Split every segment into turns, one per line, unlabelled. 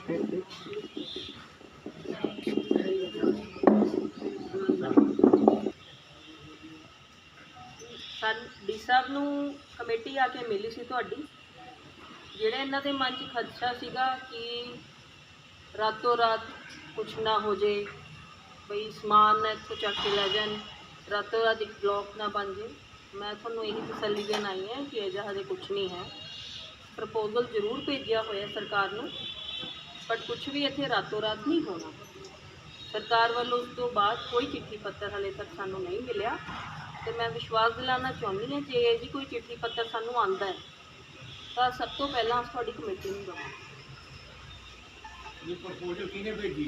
D साहब नूं committee आके मिली सी तुहाडी, जिहड़े इन्हां दे मन च खदशा सीगा कि रातों रात कुछ ना हो जाए, बई समान इत्थों चक के लै जान, रातों रात एक ब्लॉक ना बन जाए। मैं तुहानूं यही तसल्ली देन आई है कि इहो हजे कुछ नहीं है। प्रपोजल जरूर भेजिया होया सरकार नूं, बट कुछ भी इत्थे रातों रात नहीं होना। सरकार वालों उस तो बाद कोई चिट्ठी पत्र हले तक सानूं नहीं मिलिया, तो मैं विश्वास दिलाना चाहुंदी हां जे जी कोई चिट्ठी पत्र सानूं आंदा है तो सब तो पहला अस तुहाडी कमेटी नूं दवांगे।
ये प्रपोजल किहने भेजी?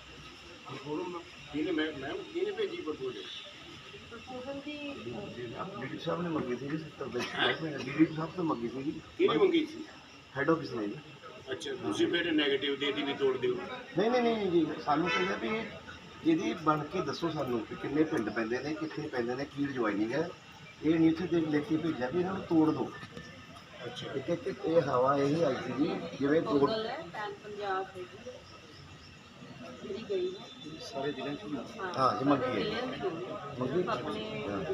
किहने भेजी प्रपोजल?
प्रपोजल दी
डी साहब ने मंगी थी जी, 70 डी साहब तो मंगी थी जी।
किहने मंगी सी?
हेड ऑफिस ने जी।
अच्छा, तुसीं फिर नेगेटिव दे दी भी तोड़ दिओ।
नहीं जी, सानू चाहिए भी ਇਹਦੀ बन के दसो सानू कि किन्ने पिंड पैंदे ने, कित्थे पैंदे ने, की ज्वाइनिंग है। ये नहीं इत्थे देख लिख के भेजा भी इन्हों तोड़ दो।
अच्छा,
एक ये हवा यही आई थी जी, जिवें तोड़
प्रपोजल है पैन पंजाब है जी गई है
सारे जिले
हाँ
जी मंगी है मंगी
अपने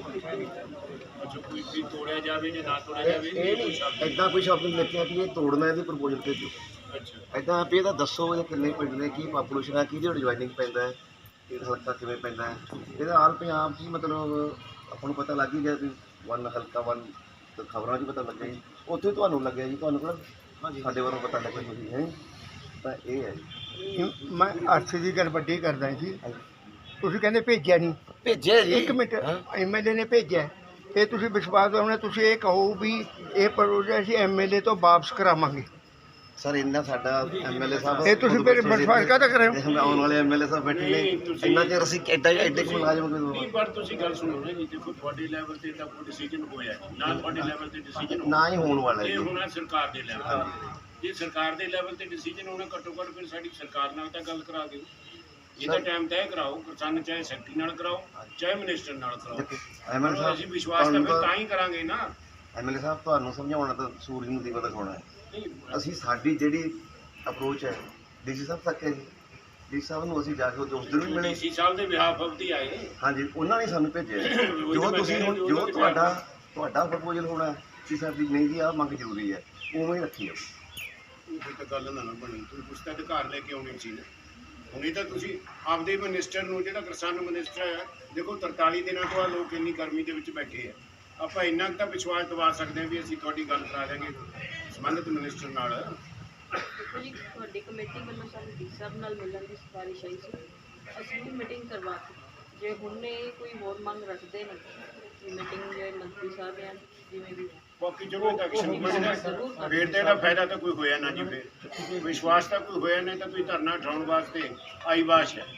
अच्छा कोई भी तोड़िया जावे जे ना तोड़िया जावे
ये नहीं इदां कोई शब्द लिखिਆ कि ये तोड़ना है, ਇਹਦੀ ਪ੍ਰਪੋਜ਼ਲ ਭੇਜੋ।
अच्छा,
इदां ਵੀ ਇਹਦਾ ਦੱਸੋ ਇਹਦੇ ਕਿੰਨੇ ਪਿੰਡ ਨੇ, ਕੀ ਪਾਪੂਲੇਸ਼ਨ ਹੈ, ਕਿਹਦੀ ਜੁਆਇਨਿੰਗ ਪੈਂਦਾ ਹੈ, ਇਹ ਹਲਕਾ ਕਿਵੇਂ ਪੈਂਦਾ ਹੈ। ਇਹਦਾ ਆਲ ਪੰਜਾਬ 'ਚ ਮਤਲਬ ਆਪਾਂ ਨੂੰ ਪਤਾ ਲੱਗ ਹੀ ਗਿਆ ਵੀ ਵਨ ਹਲਕਾ ਵਨ ਖਬਰਾਂ 'ਚ ਪਤਾ ਲੱਗਿਆ ਜੀ, ਉੱਥੇ ਤੁਹਾਨੂੰ ਲੱਗਿਆ ਜੀ, ਤੁਹਾਨੂੰ ਕਿਹੜਾ ਸਾਡੇ ਵੱਲੋਂ ਪਤਾ ਲੱਗਿਆ ਤੁਸੀਂ ਹੈ। ਤਾਂ ਇਹ ਹੈ ਜੀ,
ਮੈਂ ਅਰਥ ਦੀ ਗੱਲ ਵੱਡੀ ਕਰਦਾ ਜੀ। ਤੁਸੀਂ ਕਹਿੰਦੇ ਭੇਜਿਆ ਨਹੀਂ,
ਭੇਜਿਆ ਜੀ।
ਇੱਕ ਮਿੰਟ, ਐਮਐਲਏ ਨੇ ਭੇਜਿਆ, ਇਹ ਤੁਸੀਂ ਵਿਸ਼ਵਾਸ ਦਿਵਾਉਣਾ, ਤੁਸੀਂ ਇਹ ਕਹੋ ਵੀ ਇਹ ਪ੍ਰੋਜੈਕਟ ਅਸੀਂ ਐਮਐਲਏ ਤੋਂ ਵਾਪਸ ਕਰਾਵਾਂਗੇ।
ਸਰ ਇੰਨਾ ਸਾਡਾ ਐਮਐਲਏ ਸਾਹਿਬ
ਇਹ ਤੁਸੀਂ ਫਿਰ ਵਿਸ਼ਵਾਸ ਕਾਹਦਾ ਕਰ ਰਹੇ ਹੋ?
ਆਉਣ ਵਾਲੇ ਐਮਐਲਏ ਸਾਹਿਬ ਬੈਠੇ ਨੇ, ਇੰਨਾ ਚਿਰ ਅਸੀਂ ਐਡੇ ਕੁ ਮੁਲਾਜ਼ਮ
ਨਹੀਂ ਪਰ ਤੁਸੀਂ ਗੱਲ ਸੁਣੋ ਨਾ ਜੀ, ਦੇਖੋ ਤੁਹਾਡੇ ਲੈਵਲ ਤੇ ਤਾਂ ਕੋਈ ਡਿਸੀਜਨ ਹੋਇਆ ਜੀ, ਨਾ ਤੁਹਾਡੇ ਲੈਵਲ ਤੇ ਡਿਸੀਜਨ
ਨਾ ਹੀ ਹੋਣ ਵਾਲਾ
ਇਹ
ਜੀ।
ਹੋਣਾ ਸਰਕਾਰ ਦੇ ਲੈਵਲ ਤੇ। ਜੇ ਸਰਕਾਰ ਦੇ ਲੈਵਲ ਤੇ ਡਿਸੀਜਨ ਹੋਣਾ, ਘੱਟੋ ਘੱਟ ਫਿਰ ਸਾਡੀ ਸਰਕਾਰ ਨਾਲ ਤਾਂ ਗੱਲ ਕਰਾ ਦਿਓ। ਇਹਦਾ ਟਾਈਮ ਤੈਅ ਕਰਾਓ, ਸਾਨੂੰ ਚਾਹੇ ਸੈਕਟਰੀ ਨਾਲ ਕਰਾਓ, ਚਾਹੇ ਮਿਨਿਸਟਰ ਨਾਲ ਕਰਾਓ।
ਐਮਐਲਏ
ਅਸੀਂ ਵਿਸ਼ਵਾਸ ਤਾਂ ਫਿਰ ਤਾਂ ਹੀ ਕਰਾਂਗੇ ਨਾ।
ਐਮਐਲਏ ਸਾਹਿਬ ਤੁਹਾਨੂੰ ਸਮਝਾਉਣਾ ਤਾਂ ਸੂਰਜ ਨੂੰ ਦੀਵਾ ਦਿਖਾਉਣਾ ਹੈ।
ਨਹੀਂ
ਅਸੀਂ ਸਾਡੀ ਜਿਹੜੀ ਅਪਰੋਚ ਹੈ ਡੀਸੀ ਸਾਹਿਬ ਤੱਕ ਹੈ ਜੀ। ਡੀਸੀ ਸਾਹਿਬ ਨੂੰ ਅਸੀਂ ਜਾ ਕੇ ਉਸ ਦਿਨ ਵੀ ਮਿਲੇ,
ਡੀਸੀ ਸਾਹਿਬ ਦੇ ਬਿਹਾਫ ਆਫ ਆਏ।
ਹਾਂਜੀ ਉਹਨਾਂ ਨੇ ਸਾਨੂੰ ਭੇਜਿਆ ਜੋ ਤੁਸੀਂ ਹੁਣ ਜੋ ਤੁਹਾਡਾ ਪ੍ਰਪੋਜ਼ਲ ਹੋਣਾ ਕਿ ਸਾਡੀ ਨਹੀਂ ਜੀ ਆਹ ਮੰਗ ਜ਼ਰੂਰੀ ਹੈ, ਉਵੇਂ ਹੀ ਰੱਖੀ ਜਾਓ।
ਉਹ ਤਾਂ ਗੱਲ ਨਾ ਬਣੀ, ਤੁਸੀਂ ਕੁਛ ਤਾਂ ਅਧਿਕਾਰ ਲੈ ਕੇ ਆਉਣੀ ਸੀ ਨਾ। ਹੁਣ ਇਹ ਤਾਂ ਤੁਸੀਂ ਆਪਦੇ ਮਿਨਿਸਟਰ ਨੂੰ, ਜਿਹੜਾ ਕਿਸਾਨ ਮਿਨਿਸਟਰ ਹੈ, ਦੇਖੋ 43 ਦਿਨਾਂ ਤੋਂ ਆ ਲੋਕ ਇੰਨੀ ਗਰਮੀ ਦੇ ਵਿੱਚ ਬੈਠੇ ਆ, ਆਪਾਂ ਇੰਨਾ ਕੁ ਤਾਂ ਵਿਸ਼ਵਾਸ ਦਿਵਾ ਸਕਦੇ ਹਾਂ ਵੀ ਅਸੀਂ ਤੁਹਾਡੀ ਗੱਲ ਕਰਾ ਦਿਆਂਗੇ ਸੰਬੰਧਿਤ ਮਿਨਿਸਟਰ ਨਾਲ।
ਦੇਖੋ ਜੀ, ਤੁਹਾਡੀ ਕਮੇਟੀ ਵੱਲੋਂ ਸਾਨੂੰ ਡੀ ਸਾਹਿਬ ਨਾਲ ਮਿਲਣ ਦੀ ਸਿਫਾਰਿਸ਼ ਆਈ ਸੀ, ਅਸੀਂ ਵੀ ਮੀਟਿੰਗ ਕਰਵਾਤੀ। ਜੇ ਹੁਣ ਇਹ ਕੋਈ ਹੋਰ ਮੰਗ ਰੱਖਦੇ ਨੇ ਕਿ ਮੀਟਿੰਗ ਜੇ ਮੰਤਰੀ ਸਾਹਿਬ ਜਾਂ ਜਿਵੇਂ ਵੀ
ਬਾਕੀ ਜਦੋਂ ਤੱਕ ਐਕਸ਼ਨ ਬਣਦਾ ਫਿਰ ਤਾਂ ਇਹਦਾ ਫਾਇਦਾ ਤਾਂ ਕੋਈ ਹੋਇਆ ਨਾ ਜੀ। ਫਿਰ ਵਿਸ਼ਵਾਸ ਤਾਂ ਕੋਈ ਹੋਇਆ ਨਹੀਂ, ਤਾਂ ਤੁਸੀਂ ਧਰਨਾ ਉਠਾਉਣ ਵਾਸਤੇ ਆਈ ਬਾਸ਼ ਹੈ।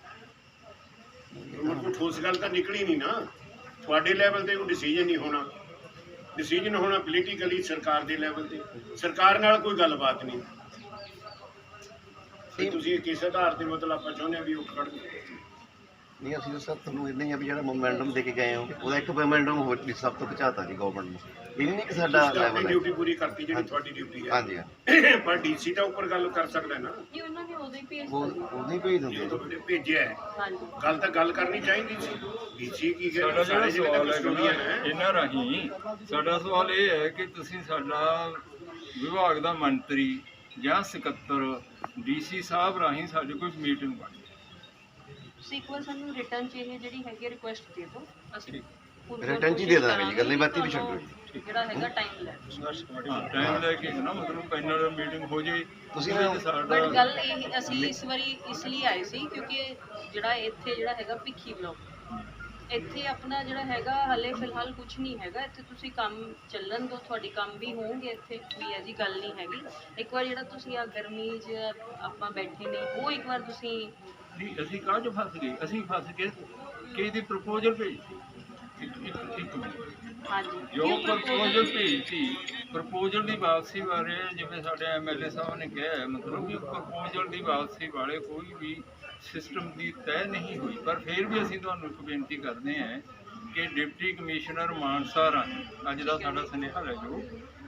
ਹੁਣ ਕੋਈ ਠੋਸ ਗੱਲ ਤਾਂ ਨਿਕਲੀ ਨਹੀਂ ਨਾ। ਤੁਹਾਡੇ ਲੈਵਲ ਤੇ ਕੋਈ ਡਿਸੀਜਨ ਨਹੀਂ ਹੋਣਾ, ਡਿਸੀਜਨ ਹੋਣਾ ਪੋਲੀਟੀਕਲੀ ਸਰਕਾਰ ਦੇ ਲੈਵਲ ਤੇ। ਸਰਕਾਰ ਨਾਲ ਕੋਈ ਗੱਲਬਾਤ ਨਹੀਂ। ਤੇ ਤੁਸੀਂ ਕਿਸ ਆਧਾਰ ਤੇ ਮਤਲਬ ਆਪਾਂ ਚਾਹੁੰਦੇ ਹਾਂ ਵੀ ਉਹ ਖੜ
ਨਹੀਂ ਅਸੀਂ ਤਾਂ ਸਰ ਤੁਹਾਨੂੰ ਇੰਨਾ ਹੀ ਆ ਵੀ ਜਿਹੜਾ ਮੋਮੈਂਟਮ ਦੇ ਕੇ ਗਏ ਹੋ ਉਹਦਾ ਇੱਕ ਮੋਮੈਂਟਮ ਹੋਰ ਵੀ ਸਭ ਤੋਂ ਪਹੁੰਚਾਤਾ ਜੀ ਗਵਰਨਮੈਂਟ ਨੂੰ। ਇਹ ਨਹੀਂ ਕਿ ਸਾਡਾ ਲੈਵਲ ਹੈ।
ਡਿਊਟੀ ਪੂਰੀ ਕਰਤੀ ਜਿਹੜੀ ਤੁਹਾਡੀ ਡਿਊਟੀ ਹੈ।
ਹਾਂਜੀ
ਪਰ ਡੀਸੀ ਤਾਂ ਉੱਪਰ ਗੱਲ ਕਰ ਸਕਦਾ ਨਾ।
ਜੀ ਉਹਨਾਂ ਨੇ ਉਦੋਂ ਹੀ ਭੇਜ
ਉਹ
ਦਿੱਤਾ
ਉਦੋਂ ਹੀ ਭੇਜ ਦਿੰਦੇ
ਜਦੋਂ ਉਹਨੇ ਭੇਜਿਆ ਹੈ,
ਹਾਂਜੀ।
ਗੱਲ ਤਾਂ ਗੱਲ ਕਰਨੀ ਚਾਹੀਦੀ ਸੀ। ਡੀਸੀ ਕੀ
ਸਾਡਾ
ਸਾਰੇ
ਜਿਹੜਾ
ਜਿਹੜੇ
ਸਵਾਲ
ਕਸਟੋਡੀਅਨ
ਹੈ
ਹੈ,
ਇਹਨਾਂ ਰਾਹੀਂ ਸਾਡਾ ਸਵਾਲ ਇਹ ਹੈ ਕਿ ਤੁਸੀਂ ਸਾਡਾ ਵਿਭਾਗ ਦਾ ਮੰਤਰੀ ਜਾਂ ਸਕੱਤਰ ਡੀਸੀ ਸਾਹਿਬ ਰਾਹੀਂ ਸਾਡੇ ਕੋਈ ਮੀਟਿੰਗ ਬਣੀ।
ਤੁਸੀਂ ਇੱਕ ਵਾਰ ਸਾਨੂੰ ਰਿਟਰਨ 'ਚ ਇਹ ਜਿਹੜੀ ਹੈਗੀ ਰਿਕੁਐਸਟ ਦੇ ਦਿਓ, ਅਸੀਂ
ਰਿਟਰਨ 'ਚ ਹੀ ਦੇ ਦਾਂਗੇ ਜੀ, ਗੱਲਾਂ ਬਾਤਾਂ ਵੀ ਛੱਡੋ ਜੀ।
ਜਿਹੜਾ ਹੈਗਾ ਟਾਈਮ ਲੈ
ਟਾਈਮ ਲੈ ਕੇ ਨਾ ਮਤਲਬ ਪੈਨਲ ਮੀਟਿੰਗ ਹੋ ਜੇ।
ਤੁਸੀਂ
ਸਾਡਾ
ਬਟ ਗੱਲ ਇਹ ਅਸੀਂ ਇਸ ਵਾਰੀ ਇਸ ਲਈ ਆਏ ਸੀ ਕਿਉਂਕਿ ਜਿਹੜਾ ਇੱਥੇ ਜਿਹੜਾ ਹੈਗਾ ਭਿੱਖੀ ਬਲਾਕ, ਇੱਥੇ ਆਪਣਾ ਜਿਹੜਾ ਹੈਗਾ ਹਲੇ ਫਿਲਹਾਲ ਕੁਝ ਨਹੀਂ ਹੈਗਾ। ਇੱਥੇ ਤੁਸੀਂ ਕੰਮ ਚੱਲਣ ਤੋਂ ਤੁਹਾਡੀ ਕੰਮ ਵੀ ਹੋਣਗੇ, ਇੱਥੇ ਵੀ ਐਸੀ ਗੱਲ ਨਹੀਂ ਹੈਗੀ। ਇੱਕ ਵਾਰ ਜਿਹੜਾ ਤੁਸੀਂ ਆ ਗਰਮੀ 'ਚ ਆਪਾਂ ਬੈਠੇ ਨੇ ਉਹ ਇੱਕ ਵਾਰ ਤੁਸੀਂ
ਨਹੀਂ ਅਸੀਂ ਕਾਹ 'ਚ ਫਸ ਗਏ? ਅਸੀਂ ਫਸ ਕੇ ਇਹਦੀ ਪ੍ਰਪੋਜ਼ਲ ਭੇਜਤੀ। ਇੱਕ ਮਿੰਟ,
ਹਾਂਜੀ
ਜੋ ਪ੍ਰਪੋਜ਼ਲ ਭੇਜਤੀ, ਪ੍ਰਪੋਜ਼ਲ ਦੀ ਵਾਪਸੀ ਬਾਰੇ ਜਿਵੇਂ ਸਾਡੇ ਐਮਐਲਏ ਸਾਹਿਬ ਨੇ ਕਿਹਾ, ਮਤਲਬ ਕਿ ਪ੍ਰਪੋਜ਼ਲ ਦੀ ਵਾਪਸੀ ਵਾਲੇ ਕੋਈ ਵੀ ਸਿਸਟਮ ਦੀ ਤੈਅ ਨਹੀਂ ਹੋਈ। ਪਰ ਫਿਰ ਵੀ ਅਸੀਂ ਤੁਹਾਨੂੰ ਇੱਕ ਬੇਨਤੀ ਕਰਦੇ ਹਾਂ ਕਿ ਡਿਪਟੀ ਕਮਿਸ਼ਨਰ ਮਾਨਸਾ ਰਾਹੀਂ ਅੱਜ ਦਾ ਸਾਡਾ ਸੁਨੇਹਾ ਲੈ ਜਾਓ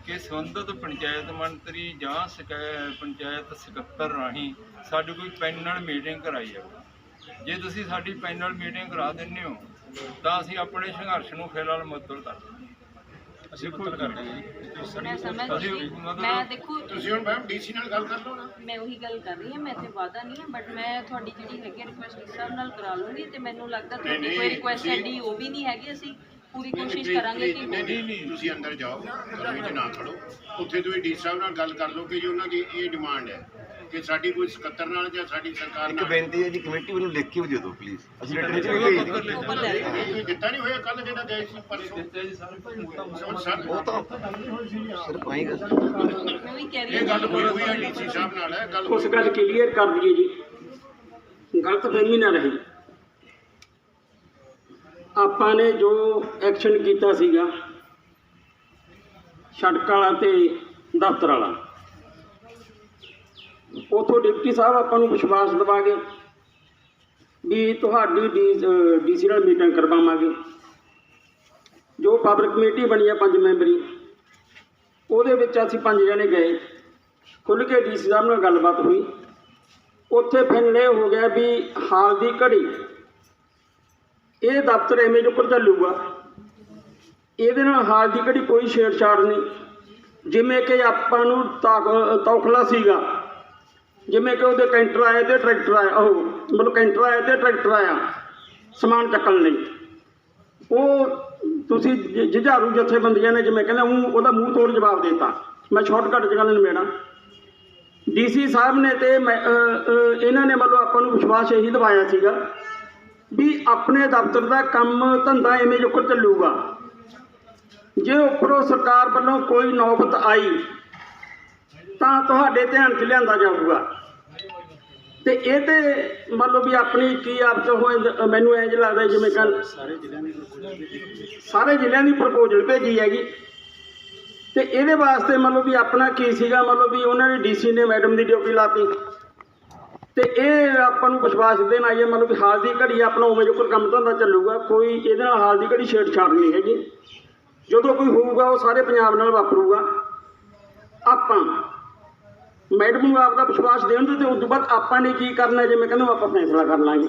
ਕਿ ਸੰਬੰਧਿਤ ਪੰਚਾਇਤ ਮੰਤਰੀ ਜਾਂ ਪੰਚਾਇਤ ਸਕੱਤਰ ਰਾਹੀਂ ਸਾਡੀ ਕੋਈ ਪੈਨਲ ਮੀਟਿੰਗ ਕਰਾਈ ਜਾਵੇ। ਜੇ ਤੁਸੀਂ ਸਾਡੀ ਪੈਨਲ ਮੀਟਿੰਗ ਕਰਾ ਦਿੰਦੇ ਹੋ ਤਾਂ ਅਸੀਂ ਆਪਣੇ ਸੰਘਰਸ਼ ਨੂੰ ਫਿਲਹਾਲ ਮੁਅੱਤਲ ਕਰ ਦਿੰਦੇ ਹਾਂ।
ਮੈਂ ਸਮਝ
ਅਸੀਂ
ਗਈ।
ਮਤਲਬ
ਮੈਂ ਦੇਖੋ
ਤੁਸੀਂ ਹੁਣ ਮੈਮ ਡੀਸੀ ਨਾਲ ਗੱਲ ਕਰ ਲਓ ਨਾ।
ਮੈਂ ਉਹੀ ਗੱਲ ਕਰ ਰਹੀ ਹਾਂ, ਮੈਂ ਇੱਥੇ ਵਾਅਦਾ ਨਹੀਂ ਹੈ, ਬਟ ਮੈਂ ਤੁਹਾਡੀ ਜਿਹੜੀ ਹੈਗੀ ਰਿਕੁਐਸਟ ਇਸ ਹਿਸਾਬ ਨਾਲ ਕਰਾ ਲੂੰਗੀ ਤੇ ਮੈਨੂੰ ਲੱਗਦਾ ਤੁਹਾਡੀ
ਨਹੀਂ,
ਕੋਈ ਰਿਕੁਐਸਟ
ਤੁਸੀਂ-
ਐਡੀ ਉਹ ਵੀ ਨਹੀਂ ਹੈਗੀ। ਅਸੀਂ ਪੂਰੀ ਕੋਸ਼ਿਸ਼
ਨਹੀਂ,
ਕਰਾਂਗੇ ਕਿ
ਨਹੀਂ, ਤੁਸੀਂ ਅੰਦਰ ਜਾਓ, ਗਰਮੀ 'ਚ ਨਾ ਖੜੋ। ਉੱਥੇ ਤੁਸੀਂ ਡੀ ਸਾਹਿਬ ਨਾਲ ਗੱਲ ਕਰ ਲਓ ਕਿ ਜੀ ਉਹਨਾਂ ਦੀ ਇਹ ਡਿਮਾਂਡ ਹੈ ਕਿ ਸਾਡੀ ਕੋਈ ਸਕੱਤਰ ਨਾਲ ਜਾਂ ਸਾਡੀ ਸਰਕਾਰ
ਇੱਕ
ਨਾਲ।
ਬੇਨਤੀ ਹੈ ਜੀ, ਕਮੇਟੀ ਵੱਲੋਂ ਲਿਖ ਕੇ ਵੀ ਦੇ ਦਿਓ ਪਲੀਜ਼, ਅਸੀਂ ਰਿਟਰਨ 'ਚ ਵੀ
ਉਹਦਾ
ਭੇਜ
ਪੱਤਰ
ਦਿਓ।
ਉੱਪਰ ਲੈ ਲਓ।
ਇਹ ਦਿੱਤਾ ਨਹੀਂ ਹੋਇਆ ਕੱਲ ਜਿਹੜਾ ਗਏ ਸੀ ਪਰਸੋਂ ਸਰ
ਉਹ ਤਾਂ ਸਿਰਫ ਆਏਗਾ।
ਮੈਂ ਵੀ ਕਹਿ ਰਹੀ
ਇਹ
ਹਾਂ
ਗੱਲ ਹੋਈ ਹੋਈ ਹੈ ਡੀਸੀ ਸਾਹਿਬ ਨਾਲ ਹੈ ਗੱਲ
ਉਸ ਗੱਲ ਕਲੀਅਰ ਕਰ ਦਈਏ ਜੀ, ਗਲਤਫਹਿਮੀ ਨਾ ਰਹੇ। ਆਪਾਂ ਨੇ ਜੋ ਐਕਸ਼ਨ ਕੀਤਾ ਸੀਗਾ ਸੜਕ ਵਾਲਾ ਤੇ ਦਫ਼ਤਰ ਵਾਲਾ, ਉਥੋਂ ਡਿਪਟੀ ਸਾਹਿਬ ਆਪਾਂ ਨੂੰ ਵਿਸ਼ਵਾਸ ਦਿਵਾ ਗਏ ਵੀ ਤੁਹਾਡੀ ਡੀਸੀ ਨਾਲ ਮੀਟਿੰਗ ਕਰਵਾਵਾਂਗੇ। ਜੋ ਪਬਲਿਕ ਕਮੇਟੀ ਬਣੀ ਹੈ 5 ਮੈਂਬਰੀ, ਉਹਦੇ ਵਿੱਚ ਅਸੀਂ 5 ਜਣੇ ਗਏ, ਖੁੱਲ੍ਹ ਕੇ ਡੀਸੀ ਸਾਹਿਬ ਨਾਲ ਗੱਲਬਾਤ ਹੋਈ। ਉੱਥੇ ਫੈਸਲਾ ਇਹ ਹੋ ਗਿਆ ਵੀ ਹਾਲ ਦੀ ਘੜੀ ਇਹ ਦਫ਼ਤਰ ਐਵੇਂ ਜੋ ਉੱਪਰ ਚੱਲੂਗਾ, ਇਹਦੇ ਨਾਲ ਹਾਲ ਦੀ ਘੜੀ ਕੋਈ ਛੇੜਛਾੜ ਨਹੀਂ। ਜਿਵੇਂ ਕਿ ਆਪਾਂ ਨੂੰ ਤੌਖਲਾ ਸੀਗਾ, ਜਿਵੇਂ ਕਿ ਉਹਦੇ ਕੈਂਟਰ ਆਏ ਤੇ ਟਰੈਕਟਰ ਆਇਆ, ਉਹ ਮਤਲਬ ਕੈਂਟਰ ਆਇਆ ਤੇ ਟਰੈਕਟਰ ਆਇਆ ਸਮਾਨ ਚੱਕਣ ਲਈ। ਉਹ ਤੁਸੀਂ ਜੁਝਾਰੂ ਜਥੇਬੰਦੀਆਂ ਨੇ ਜਿਵੇਂ ਕਹਿੰਦੇ ਉਹਦਾ ਮੂੰਹ ਤੋੜ ਜਵਾਬ ਦੇ ਦਿੱਤਾ। ਮੈਂ ਸ਼ਾਰਟਕਟ 'ਚ ਗੱਲ ਨਿਬੇੜਾਂ। ਡੀਸੀ ਸਾਹਿਬ ਨੇ ਤੇ ਇਹਨਾਂ ਨੇ ਮਤਲਬ ਆਪਾਂ ਨੂੰ ਵਿਸ਼ਵਾਸ ਇਹੀ ਦਿਵਾਇਆ ਸੀਗਾ ਵੀ ਆਪਣੇ ਦਫ਼ਤਰ ਦਾ ਕੰਮ ਧੰਦਾ ਐਵੇਂ ਜੁਕਰ ਚੱਲੂਗਾ। ਜੇ ਉੱਪਰੋਂ ਸਰਕਾਰ ਵੱਲੋਂ ਕੋਈ ਨੌਬਤ ਆਈ ਤਾਂ ਤੁਹਾਡੇ ਧਿਆਨ 'ਚ ਲਿਆਂਦਾ ਜਾਊਗਾ। ਤੇ ਇਹ ਤੇ ਮੰਨ ਲਓ ਵੀ ਆਪਣੀ ਕੀ ਆਪ 'ਚ ਹੋਏ, ਮੈਨੂੰ ਇੰਝ ਲੱਗਦਾ ਜਿਵੇਂ ਕੱਲ ਸਾਰੇ ਜ਼ਿਲ੍ਹਿਆਂ ਦੀ ਪ੍ਰਪੋਜ਼ਲ ਭੇਜੀ ਹੈਗੀ। ਤੇ ਇਹਦੇ ਵਾਸਤੇ ਮੰਨ ਲਓ ਵੀ ਆਪਣਾ ਕੀ ਸੀਗਾ, ਮੰਨ ਲਓ ਵੀ ਉਹਨਾਂ ਨੇ ਡੀਸੀ ਨੇ ਮੈਡਮ ਦੀ ਡਿਊਟੀ ਲਾਤੀ ਤੇ ਇਹ ਆਪਾਂ ਨੂੰ ਵਿਸ਼ਵਾਸ ਦੇਣ ਆਈ ਹੈ ਮੰਨ ਲਓ ਵੀ ਹਾਲ ਦੀ ਘੜੀ ਆਪਣਾ ਉਵੇਂ ਜੋ ਕੰਮ ਧੰਦਾ ਚੱਲੂਗਾ, ਕੋਈ ਇਹਦੇ ਨਾਲ ਹਾਲ ਦੀ ਘੜੀ ਛੇੜਛਾੜ ਨਹੀਂ ਹੈਗੀ। ਜਦੋਂ ਕੋਈ ਹੋਊਗਾ ਉਹ ਸਾਰੇ ਪੰਜਾਬ ਨਾਲ ਵਾਪਰੂਗਾ। ਆਪਾਂ ਮੈਡਮ ਨੂੰ ਆਪਦਾ ਵਿਸ਼ਵਾਸ ਦੇਣ ਦੇ ਤੇ ਉਸ ਤੋਂ ਬਾਅਦ ਆਪਾਂ ਨੇ ਕੀ ਕਰਨਾ, ਜਿਵੇਂ ਕਹਿੰਦੇ ਆਪਾਂ ਫੈਸਲਾ ਕਰ ਲਾਂਗੇ।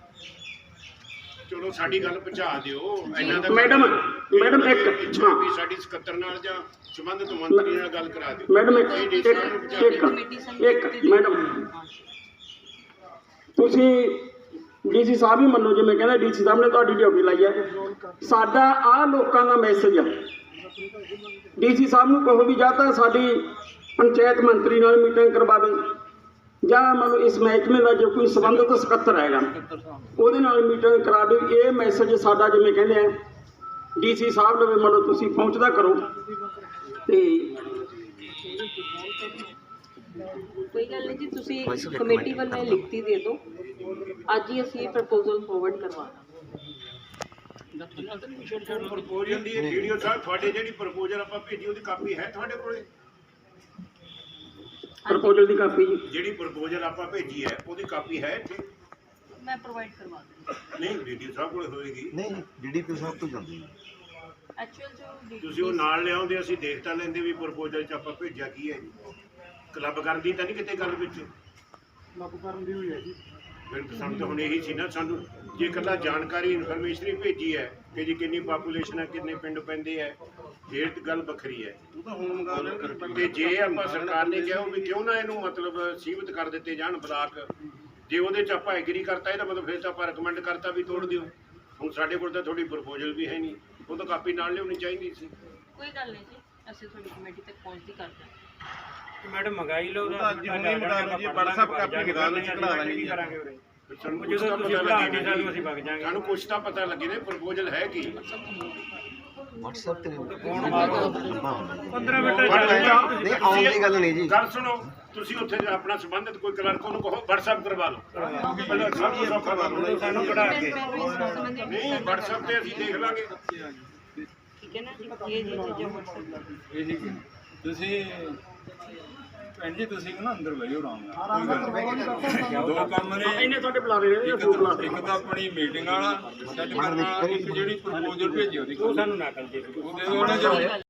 ਚਲੋ ਸਾਡੀ ਗੱਲ ਪਹੁੰਚਾ ਦਿਓ ਇਹਨਾਂ ਦਾ।
ਮੈਡਮ ਇੱਕ
ਇੱਛਾ ਵੀ ਸਾਡੀ ਸਕੱਤਰ ਨਾਲ ਜਾਂ ਸੰਬੰਧਿਤ ਮੰਤਰੀ ਨਾਲ ਗੱਲ ਕਰਾ ਦਿਓ।
ਮੈਡਮ ਇੱਕ ਮੈਡਮ ਤੁਸੀਂ ਡੀਸੀ ਸਾਹਿਬ ਹੀ ਮੰਨੋ, ਜਿਵੇਂ ਕਹਿੰਦੇ ਡੀਸੀ ਸਾਹਿਬ ਨੇ ਤੁਹਾਡੀ ਡਿਊਟੀ ਲਾਈ ਹੈ। ਸਾਡਾ ਆਹ ਲੋਕਾਂ ਦਾ ਮੈਸੇਜ ਆ, ਡੀਸੀ ਸਾਹਿਬ ਨੂੰ ਕਹੋ ਵੀ ਜਾਂ ਤਾਂ ਸਾਡੀ ਪੰਚਾਇਤ ਮੰਤਰੀ ਨਾਲ ਮੀਟਿੰਗ ਕਰਵਾਵੇ ਜਾਂ ਮੰਨ ਲਓ ਇਸ ਮਹਿਕਮੇ ਦਾ ਜੋ ਕੋਈ ਸੰਬੰਧਿਤ ਸਕੱਤਰ ਹੈਗਾ ਉਹਦੇ ਨਾਲ ਮੀਟਿੰਗ ਕਰਾਵੇ। ਇਹ ਮੈਸੇਜ ਸਾਡਾ ਜਿਵੇਂ ਕਹਿੰਦੇ ਆ ਡੀਸੀ ਸਾਹਿਬ ਨੂੰ ਮੰਨ ਲਓ ਤੁਸੀਂ ਪਹੁੰਚਦਾ ਕਰੋ। ਤੇ
ਕੋਈ ਗੱਲ ਨਹੀਂ ਜੀ, ਤੁਸੀਂ ਕਮੇਟੀ ਵੱਲੋਂ ਲਿਖਤੀ ਦੇ ਦਿਓ, ਅੱਜ ਹੀ ਅਸੀਂ ਪ੍ਰਪੋਜ਼ਲ ਫੋਰਵਰਡ ਕਰਵਾ ਦਾਂਗੇ।
ਪ੍ਰਪੋਜ਼ਲ ਦੀ ਵੀਡੀਓ ਸਾਹਿਬ ਤੁਹਾਡੇ ਜਿਹੜੀ ਪ੍ਰਪੋਜ਼ਲ ਆਪਾਂ ਭੇਜੀ ਉਹਦੀ ਕਾਪੀ ਹੈ ਤੁਹਾਡੇ ਕੋਲੇ?
ਪ੍ਰਪੋਜ਼ਲ ਦੀ ਕਾਪੀ ਜੀ,
ਜਿਹੜੀ ਪ੍ਰਪੋਜ਼ਲ ਆਪਾਂ ਭੇਜੀ ਹੈ ਉਹਦੀ ਕਾਪੀ ਹੈ ਇੱਥੇ?
ਮੈਂ ਪ੍ਰੋਵਾਈਡ ਕਰਵਾ ਦਾਂਗੀ।
ਨਹੀਂ ਵੀਡੀਓ ਸਾਹਿਬ ਕੋਲੇ ਹੋਏਗੀ।
ਨਹੀਂ, ਡੀਡੀਪੀ ਸਾਹਿਬ ਤੋਂ ਜਾਂਦੀ ਹੈ।
ਐਕਚੁਅਲ ਜੋ
ਤੁਸੀਂ ਉਹ ਨਾਲ ਲਿਆਉਂਦੇ, ਅਸੀਂ ਦੇਖ ਤਾਂ ਲੈਂਦੇ ਵੀ ਪ੍ਰਪੋਜ਼ਲ 'ਚ ਆਪਾਂ ਭੇਜਿਆ ਕੀ ਹੈ ਜੀ। ਕਲੱਬ ਕਰਨ ਦੀ ਤਾਂ ਨਹੀਂ ਕਿਤੇ ਗੱਲ ਵਿੱਚ?
ਕਲੱਬ ਕਰਨ ਦੀ ਹੋਈ ਹੈ ਜੀ।
ਫਿਰ ਸਾਨੂੰ ਤਾਂ ਹੁਣ ਇਹੀ ਸੀ ਨਾ, ਸਾਨੂੰ ਜੇ ਇਕੱਲਾ ਜਾਣਕਾਰੀ ਇਨਫੋਰਮੇਸ਼ਨ ਹੀ ਭੇਜੀ ਹੈ ਕਿ ਜੀ ਕਿੰਨੀ ਪਾਪੂਲੇਸ਼ਨ ਹੈ, ਕਿੰਨੇ ਪਿੰਡ ਪੈਂਦੇ ਹੈ, ਫਿਰ ਗੱਲ ਵੱਖਰੀ ਹੈ। ਤੇ ਜੇ ਆਪਾਂ ਸਰਕਾਰ ਨੇ ਕਿਹਾ ਵੀ ਕਿਉਂ ਨਾ ਇਹਨੂੰ ਮਤਲਬ ਸੀਮਿਤ ਕਰ ਦਿੱਤੇ ਜਾਣ ਬਲਾਕ, ਜੇ ਉਹਦੇ 'ਚ ਆਪਾਂ ਐਗਰੀ ਕਰਤਾ ਇਹਦਾ ਮਤਲਬ ਫਿਰ ਤਾਂ ਆਪਾਂ ਰਿਕਮੈਂਡ ਕਰਤਾ ਵੀ ਤੋੜ ਦਿਓ। ਹੁਣ ਸਾਡੇ ਕੋਲ ਤਾਂ ਤੁਹਾਡੀ ਪ੍ਰਪੋਜ਼ਲ ਵੀ ਹੈ ਨਹੀਂ, ਉਹ ਤਾਂ ਕਾਪੀ ਨਾਲ ਲਿਆਉਣੀ ਚਾਹੀਦੀ ਸੀ।
ਕੋਈ ਗੱਲ ਨਹੀਂ ਜੀ, ਅਸੀਂ ਤੁਹਾਡੀ ਕਮੇਟੀ ਤੱਕ ਪਹੁੰਚਦੀ ਕਰਦੇ ਹਾਂ।
ਮੈਡਮ ਮੰਗਾਈ ਲਓ
ਜੀ WhatsApp ਕਾਪੀ ਮੰਗਾ ਲਓ, ਚੜਾ ਦਾਂਗੇ ਜੀ।
ਸਾਨੂੰ ਕੁਛ
ਜਦੋਂ
ਤਾਂ
ਤੁਸੀਂ
ਪਤਾ
ਬਣਾ
ਲੱਗੇ
ਕੇ ਸਾਨੂੰ ਅਸੀਂ ਵਗ ਜਾਾਂਗੇ।
ਸਾਨੂੰ ਕੁਛ ਤਾਂ ਪਤਾ ਲੱਗੇ ਨੇ ਪ੍ਰਪੋਜ਼ਲ ਹੈ ਕੀ।
WhatsApp ਤੇ
ਫੋਨ ਮਾਰੋ, 15 ਮਿੰਟ
ਨਹੀਂ, ਆਉਣ ਦੀ ਗੱਲ ਨਹੀਂ ਜੀ।
ਗੱਲ ਸੁਣੋ, ਤੁਸੀਂ ਉੱਥੇ ਆਪਣਾ ਸੰਬੰਧਿਤ ਕੋਈ ਕਲਰਕ ਉਹਨੂੰ ਕਹੋ WhatsApp ਕਰਵਾ ਲਓ। ਪਹਿਲਾਂ ਸਾਨੂੰ ਸੌਖਾ ਕਰ ਲਓ,
ਸਾਨੂੰ ਕਢਾ ਕੇ
ਨਹੀਂ WhatsApp ਤੇ ਅਸੀਂ ਦੇਖ ਲਾਂਗੇ।
ਠੀਕ ਹੈ ਨਾ ਜੀ, ਇਹ ਜੀ ਚੀਜ਼ਾਂ WhatsApp
ਇਹ ਜੀ ਤੁਸੀਂ ਭੈਣ ਜੀ ਤੁਸੀਂ ਨਾ ਅੰਦਰ ਬਹਿਓ ਆਰਾਮ ਨਾਲ, ਕੋਈ ਗੱਲ ਨਹੀਂ। ਦੋ ਕੰਮ ਨੇ,
ਇਹਨੇ ਤੁਹਾਡੇ ਬੁਲਾ ਰਹੇ ਨੇ,
ਇੱਕ ਤਾਂ ਆਪਣੀ ਮੀਟਿੰਗ ਵਾਲਾ ਸੈੱਟ ਕਰਨਾ, ਇੱਕ ਜਿਹੜੀ ਪ੍ਰਪੋਜ਼ਲ ਭੇਜੀ ਉਹਦੀ
ਉਹ ਸਾਨੂੰ ਨਾ ਕਰ ਦੇ।
ਉਹਦੇ